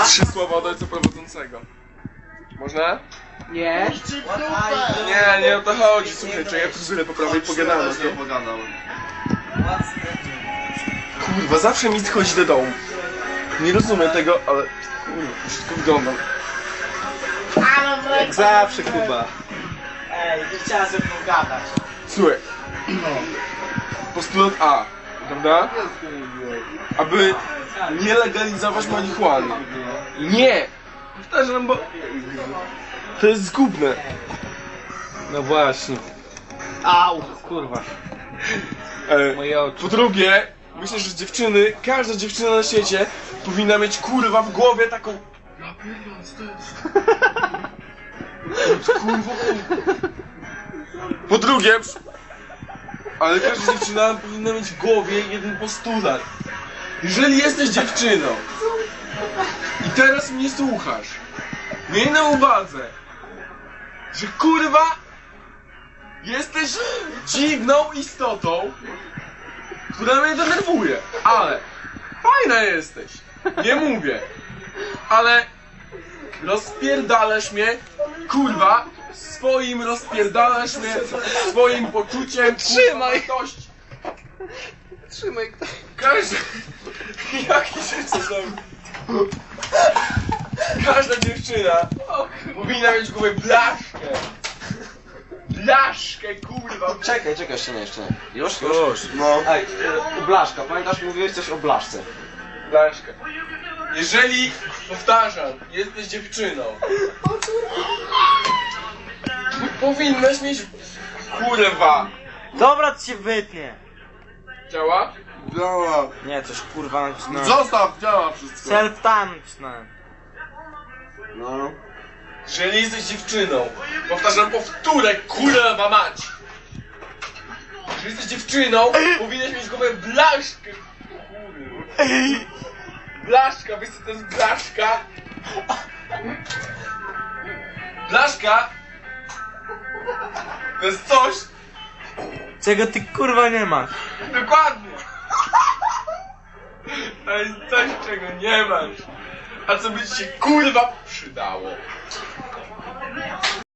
3 słowa od ojca prowadzącego. Można? Nie. Nie o to chodzi, słuchajcie, ja fryzurę poprawię i pogadamy. Kurwa, zawsze mi chodzi do domu. Nie rozumiem tego, ale kurwa, wszystko wygląda. Jak zawsze, Kuba. Ej, nie chciałem sobie pogadać. Słuchaj. Postulat A, prawda? Aby nie legalizować marihuany. Nie! Powtarzam, bo to jest zgubne. No właśnie. Au, kurwa. Moje oczy. Po drugie, myślę, że dziewczyny, każda dziewczyna na świecie powinna mieć kurwa w głowie taką... Ja pierdolę, co to jest? Kurwa. Po drugie, ale każda dziewczyna powinna mieć w głowie jeden postulat. Jeżeli jesteś dziewczyną i teraz mnie słuchasz, miej na uwadze, że kurwa jesteś dziwną istotą, która mnie denerwuje, ale fajna jesteś, nie mówię, ale rozpierdalasz mnie, kurwa, rozpierdalasz mnie swoim poczuciem, Trzymaj! wartości. Trzymaj. Każda... Jaki się zrobił? Każda dziewczyna powinna mieć w głowie blaszkę. Blaszkę, kurwa. Czekaj, jeszcze nie. Już? No. Ej, blaszka, pamiętasz, mówiłeś coś o blaszce. Blaszkę. Jeżeli, powtarzam, jesteś dziewczyną, powinnaś mieć... Kurwa. Dobra, to się wytnie. Działa? Działa. Nie, coś kurwa nacisnąłem. Zostaw, działa wszystko. Self-tanczne. No. Jeżeli jesteś dziewczyną, powtarzam powtórę, kurwa mać! Jeżeli jesteś dziewczyną, powinieneś mieć w głowie blaszkę! Kurwa. Blaszka, wiesz co to jest blaszka? Blaszka to jest coś, Czego ty kurwa nie masz? dokładnie! To jest coś, czego nie masz, a co by ci się kurwa przydało.